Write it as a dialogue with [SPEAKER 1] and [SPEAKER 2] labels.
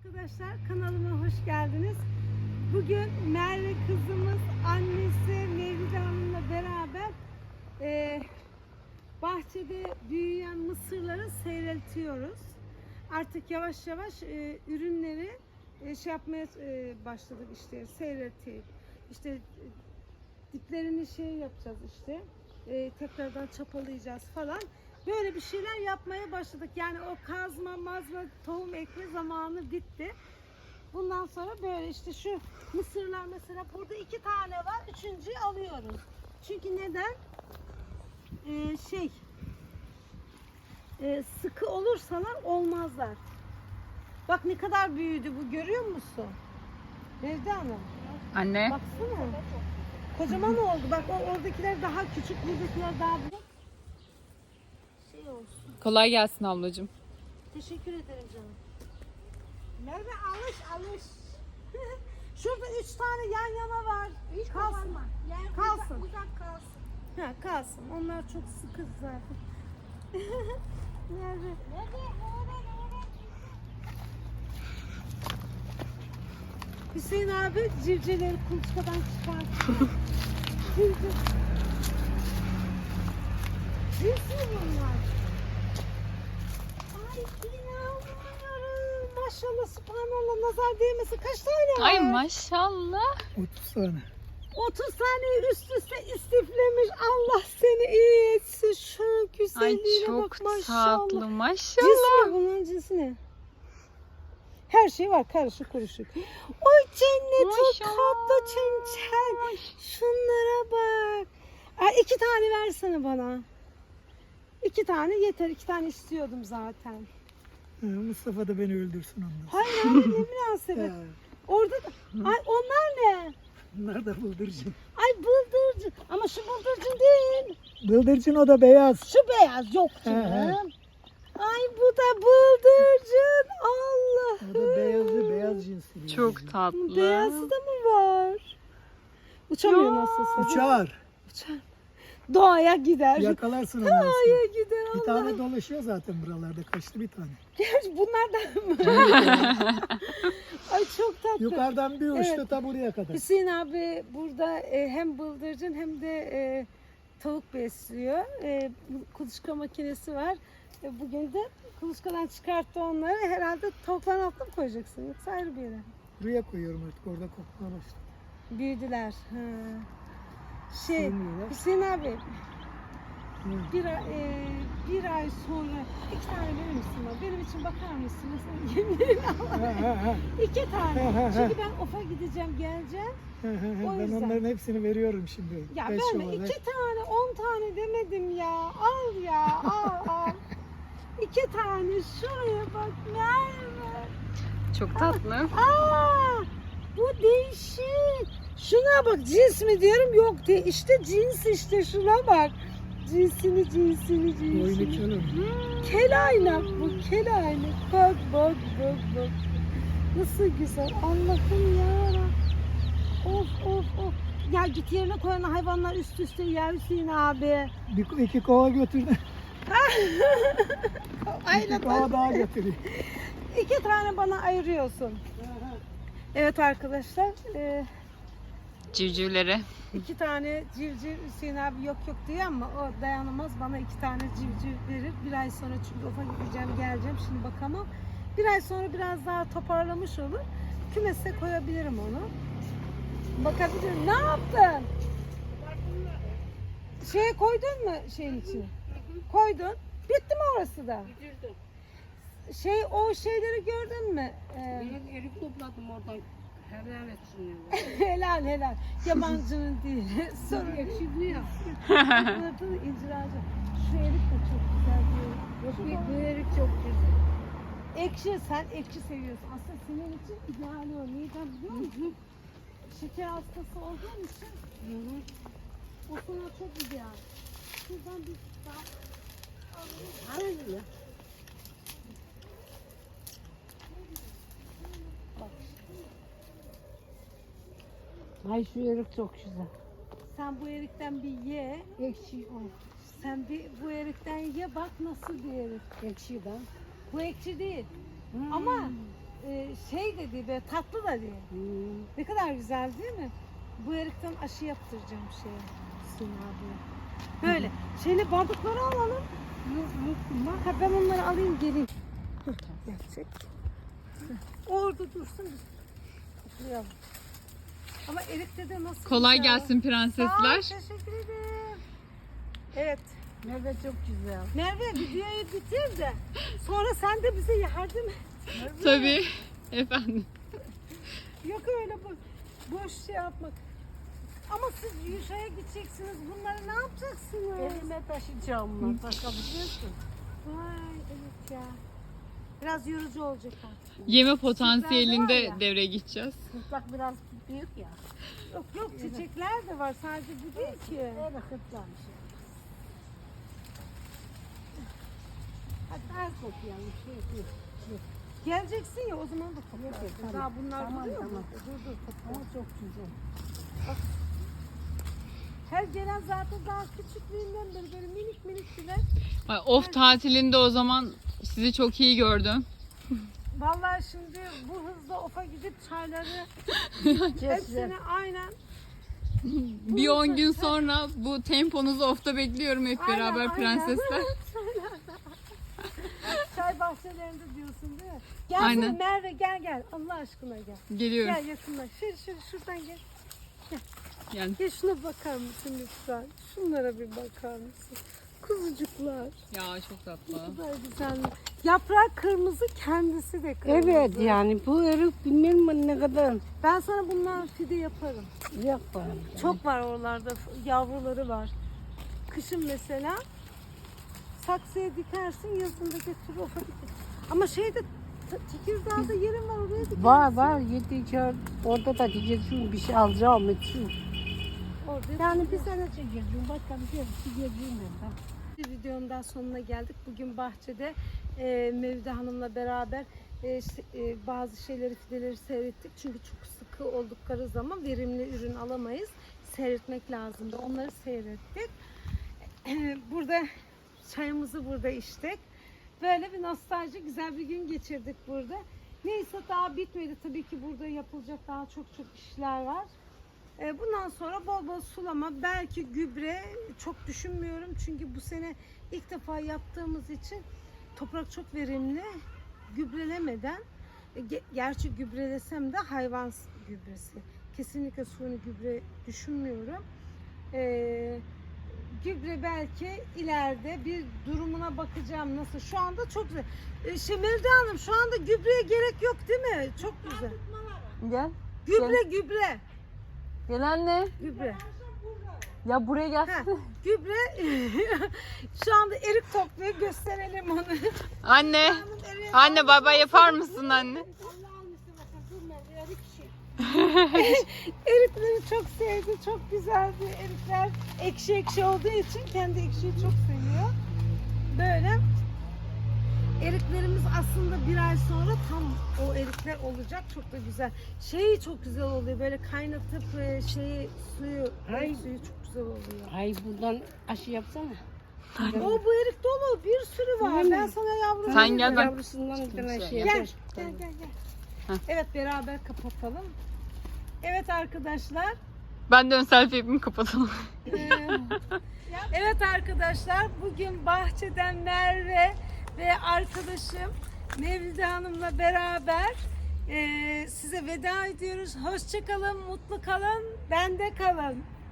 [SPEAKER 1] Arkadaşlar kanalıma hoş geldiniz. Bugün Merve kızımız annesi Mevlide Hanım'la beraber bahçede büyüyen mısırları seyreltiyoruz. Artık yavaş yavaş ürünleri şey yapmaya başladık, işte seyreltip işte diplerini şey yapacağız, işte tekrardan çapalayacağız falan. Böyle bir şeyler yapmaya başladık. Yani o kazma, mazma, tohum ekme zamanı bitti. Bundan sonra böyle işte şu mısırlar mesela burada 2 tane var. Üçüncüyü alıyoruz. Çünkü neden? Sıkı olursalar olmazlar. Bak ne kadar büyüdü bu, görüyor musun? Mevlide Hanım.
[SPEAKER 2] Anne.
[SPEAKER 1] Baksana. Kocaman oldu. Bak oradakiler daha küçük, buradakiler daha büyük. Olsun.
[SPEAKER 2] Kolay gelsin ablacığım.
[SPEAKER 1] Teşekkür ederim canım. Merve alış. Şurada 3 tane yan yana var. Hiç kalsın. Kalsın.
[SPEAKER 3] Uzak kalsın.
[SPEAKER 1] Ha, kalsın. Onlar çok sıkı zaten. Merve. Hüseyin abi civcivleri kuluçkadan çıkartıyor. Civciv. Civciv bunlar. Ay inanmıyorum. Maşallah, subhanallah, nazar değmesin. Kaç tane var?
[SPEAKER 2] Ay maşallah.
[SPEAKER 3] 30 tane.
[SPEAKER 1] 30 tane üst üste istiflemiş. Allah seni iyi etsin. Şu
[SPEAKER 2] Ay
[SPEAKER 1] güzelliğine
[SPEAKER 2] çok
[SPEAKER 1] bak maşallah.
[SPEAKER 2] tatlı maşallah.
[SPEAKER 1] Cins mi bunun, cinsi ne? Her şey var, karışık kuruşuk. Oy cennet, o
[SPEAKER 2] Maşallah.
[SPEAKER 1] tatlı çençen. Şunlara bak. Ay, 2 tane versene bana. 2 tane yeter. 2 tane istiyordum zaten.
[SPEAKER 3] Mustafa da beni öldürsün ondan.
[SPEAKER 1] Hayır hayır, ne münasebet. Orada da... Ay onlar ne?
[SPEAKER 3] Bunlar da bıldırcın.
[SPEAKER 1] Ay bıldırcın. Ama şu bıldırcın değil.
[SPEAKER 3] Bıldırcın o da beyaz.
[SPEAKER 1] Şu beyaz yok canım. Ay bu da bıldırcın. Allah.
[SPEAKER 3] O da beyaz cinsi.
[SPEAKER 2] Çok tatlı.
[SPEAKER 1] Beyazı da mı var? Uçamıyor
[SPEAKER 2] Ya.
[SPEAKER 1] nasılsa.
[SPEAKER 3] Uçar.
[SPEAKER 1] Uçar. Doğaya gider.
[SPEAKER 3] Yakalarsın ondan sonra.
[SPEAKER 1] Doğaya gider.
[SPEAKER 3] Bir
[SPEAKER 1] Allah.
[SPEAKER 3] tane dolaşıyor zaten buralarda. Kaçtı bir tane.
[SPEAKER 1] Bunlardan mı? Ay çok tatlı.
[SPEAKER 3] Yukarıdan bir uçtu
[SPEAKER 1] Evet.
[SPEAKER 3] ta buraya kadar.
[SPEAKER 1] Hüseyin abi burada hem bıldırcın hem de tavuk besliyor. Kuluçka makinesi var. Bugün de kuluçkadan çıkarttı onları. Herhalde tavukların altına mı koyacaksın? Yoksa ayrı bir yere.
[SPEAKER 3] Buraya koyuyorum artık. Orada kokmaya başladı.
[SPEAKER 1] Büyüdüler. Ha.
[SPEAKER 3] Sevmiyorlar.
[SPEAKER 1] Hüseyin abi
[SPEAKER 3] Hı.
[SPEAKER 1] bir ay sonra 2 tane verir misin bana? Benim için bakar mısın? Mesela yemlerini al. 2 tane. Çünkü ben ofa gideceğim, geleceğim. O
[SPEAKER 3] Ben
[SPEAKER 1] yüzden.
[SPEAKER 3] onların hepsini veriyorum şimdi.
[SPEAKER 1] Ya
[SPEAKER 3] Beş
[SPEAKER 1] ben de
[SPEAKER 3] olarak.
[SPEAKER 1] 2 tane, 10 tane demedim ya. Al ya, al. 2 tane şuraya bak Merve.
[SPEAKER 2] Çok tatlı.
[SPEAKER 1] Aa, bu değişik. Şuna bak, cins mi diyorum, yok de işte cins, işte şuna bak. Cinsini.
[SPEAKER 3] Boynu kelum.
[SPEAKER 1] Kelaynak bu, kelaynak. Bak. Nasıl güzel. Allah'ım yarabbim. Of. Ya git yerine koyan hayvanlar üst üste yer Hüseyin abi.
[SPEAKER 3] İki kova götürdü.
[SPEAKER 1] Aynen.
[SPEAKER 3] İki kova daha götürüyor.
[SPEAKER 1] 2 tane bana ayırıyorsun. Evet arkadaşlar.
[SPEAKER 2] Civcivleri.
[SPEAKER 1] 2 tane civciv Hüseyin abi yok diyor ama o dayanamaz, bana 2 tane civciv verir. Bir ay sonra, çünkü ofa gideceğim, geleceğim, şimdi bakamam. Bir ay sonra biraz daha toparlamış olur. Kümese koyabilirim onu. Bakabilirim. Ne yaptın? Şeye koydun mu şeyin içine? Koydun. Bitti mi orası da? O şeyleri gördün mü?
[SPEAKER 4] Erik topladım oradan. Helal etsin.
[SPEAKER 1] Helal. Yabancının değil. Sorun.
[SPEAKER 4] Ekşi ya.
[SPEAKER 1] Burada incir ağacı. Şu erik de çok güzel diyor.
[SPEAKER 4] Yok bu erik çok güzel.
[SPEAKER 1] Ekşi, sen ekşi seviyorsun. Aslında senin için ideal o. Neden biliyor musun? Şeker hastası olduğun için o sana çok ideal. Şuradan bir daha alayım.
[SPEAKER 4] Hayır ya. Ay şu erik çok güzel.
[SPEAKER 1] Sen bu erikten bir ye.
[SPEAKER 4] Ekşi o.
[SPEAKER 1] Sen bir bu erikten ye, bak nasıl bir erik.
[SPEAKER 4] Ekşi ben.
[SPEAKER 1] Bu ekşi değil. Ama şey de değil, böyle tatlı da değil. Ne kadar güzel değil mi? Bu erikten aşı yaptıracağım şeye. Sina abiye. Böyle. Şeyle bardakları alalım. Ha, ben onları alayım geleyim. Gerçek. Orada dursun biz toplayalım. Ama erikte de nasıl
[SPEAKER 2] Kolay
[SPEAKER 1] güzel.
[SPEAKER 2] gelsin
[SPEAKER 1] Sağ ol,
[SPEAKER 2] prensesler.
[SPEAKER 1] teşekkür ederim. Evet.
[SPEAKER 4] Merve çok güzel.
[SPEAKER 1] Merve videoyu bitir de sonra sen de bize yardım et.
[SPEAKER 2] Tabii. Efendim.
[SPEAKER 1] Yok öyle boş şey yapmak. Ama siz Yuşa'ya gideceksiniz. Bunları ne yapacaksınız?
[SPEAKER 4] Elime taşıyacağım bunlar. Taşıyabiliyorsun.
[SPEAKER 1] Vay evet ya. Biraz yorucu olacak artık.
[SPEAKER 2] Yeme potansiyelinde
[SPEAKER 1] var ya.
[SPEAKER 2] devreye gideceğiz.
[SPEAKER 4] Kırtlak biraz büyük ya.
[SPEAKER 1] Yok yok çiçekler de var. Sadece bu değil ki.
[SPEAKER 4] Öyle kırtlamış. Hadi az toplayalım.
[SPEAKER 1] Geleceksin ya o zaman da toplarsın.
[SPEAKER 4] tamam.
[SPEAKER 1] Daha bunlar
[SPEAKER 4] Tamam,
[SPEAKER 1] duruyor mu?
[SPEAKER 4] tamam.
[SPEAKER 1] Dur
[SPEAKER 4] Ama çok güzel.
[SPEAKER 1] Her gelen zaten daha küçüklüğünden beri böyle minik minik bile.
[SPEAKER 2] Ay, Of tatilinde o zaman sizi çok iyi gördüm.
[SPEAKER 1] Vallahi şimdi bu hızla ofa gidip çayları hepsini aynen
[SPEAKER 2] Bir 10 gün sonra bu temponuzu Of'ta bekliyorum hep
[SPEAKER 1] Aynen,
[SPEAKER 2] beraber
[SPEAKER 1] aynen.
[SPEAKER 2] prensesler.
[SPEAKER 1] çay bahçelerinde diyorsun değil mi? Gel
[SPEAKER 2] Aynen.
[SPEAKER 1] Merve gel Allah aşkına gel.
[SPEAKER 2] Geliyorum.
[SPEAKER 1] Gel yakınlaş. Şuradan gel.
[SPEAKER 2] Yani
[SPEAKER 1] Gel şuna bakar mısın lütfen? Şunlara bir bakar mısın? Kuzucuklar.
[SPEAKER 2] ya çok tatlı.
[SPEAKER 1] Ne kadar güzel. Yaprak kırmızı, kendisi de kırmızı.
[SPEAKER 4] Evet yani bu erik bilmem ne kadar
[SPEAKER 1] Ben sana bundan fide yaparım.
[SPEAKER 4] yaparım.
[SPEAKER 1] Çok var oralarda, yavruları var. Kışın mesela saksıya dikersin, yazın da götürür ofa dikersin. Ama şeyde Tekirdağ'da yerim var, oraya dikersin.
[SPEAKER 4] Var yedi orada da diyeceğim bir şey alacağım için.
[SPEAKER 1] Orada
[SPEAKER 4] Yani bir sene çekeceğim başka bir şey çekeceğim ben.
[SPEAKER 1] Bir videonun daha sonuna geldik. Bugün bahçede Mevlide Hanım'la beraber bazı şeyleri, fideleri seyrettik. Çünkü çok sıkı oldukları zaman verimli ürün alamayız. Seyretmek lazımdı. Onları seyrettik. Burada çayımızı burada içtik. Böyle bir nostalji, güzel bir gün geçirdik burada. Neyse daha bitmedi. Tabii ki burada yapılacak daha çok işler var. Bundan sonra bol bol sulama, belki gübre çok düşünmüyorum. Çünkü bu sene ilk defa yaptığımız için toprak çok verimli. Gübrelemeden, gerçi gübrelesem de hayvan gübresi. Kesinlikle suni gübre düşünmüyorum. Gübre belki ileride bir durumuna bakacağım nasıl. Şu anda çok güzel. Mevlide Hanım şu anda gübreye gerek yok değil mi? Çok güzel.
[SPEAKER 2] Gel.
[SPEAKER 1] Gübre.
[SPEAKER 2] Gel anne.
[SPEAKER 1] Gübre.
[SPEAKER 2] Ya buraya gel.
[SPEAKER 1] Ha, gübre. Şu anda erik topluyor. Gösterelim onu.
[SPEAKER 2] Anne. Anne baba yapar mısın anne?
[SPEAKER 1] Erikleri çok sevdi. Çok güzeldi. Erikler ekşi olduğu için kendi ekşiyi çok seviyor. Böyle. Eriklerimiz aslında bir ay sonra tam o erikler olacak. Çok da güzel. Şeyi çok güzel oluyor. Böyle kaynatıp suyu çok güzel oluyor.
[SPEAKER 4] Ay buradan aşı yapsana.
[SPEAKER 1] Bu erik dolu. Bir sürü var. Ben sana yavrum.
[SPEAKER 2] Sen gel ben.
[SPEAKER 4] Yavrusundan bir tane şey
[SPEAKER 1] Gel.
[SPEAKER 4] yapar.
[SPEAKER 1] Gel.
[SPEAKER 2] Heh.
[SPEAKER 1] Evet beraber kapatalım. Evet arkadaşlar.
[SPEAKER 2] Ben de ön selfie yapayım kapatalım.
[SPEAKER 1] Evet arkadaşlar. Bugün bahçeden Merve ve arkadaşım Mevlide Hanım'la beraber size veda ediyoruz. Hoşça kalın, mutlu kalın, bende kalın.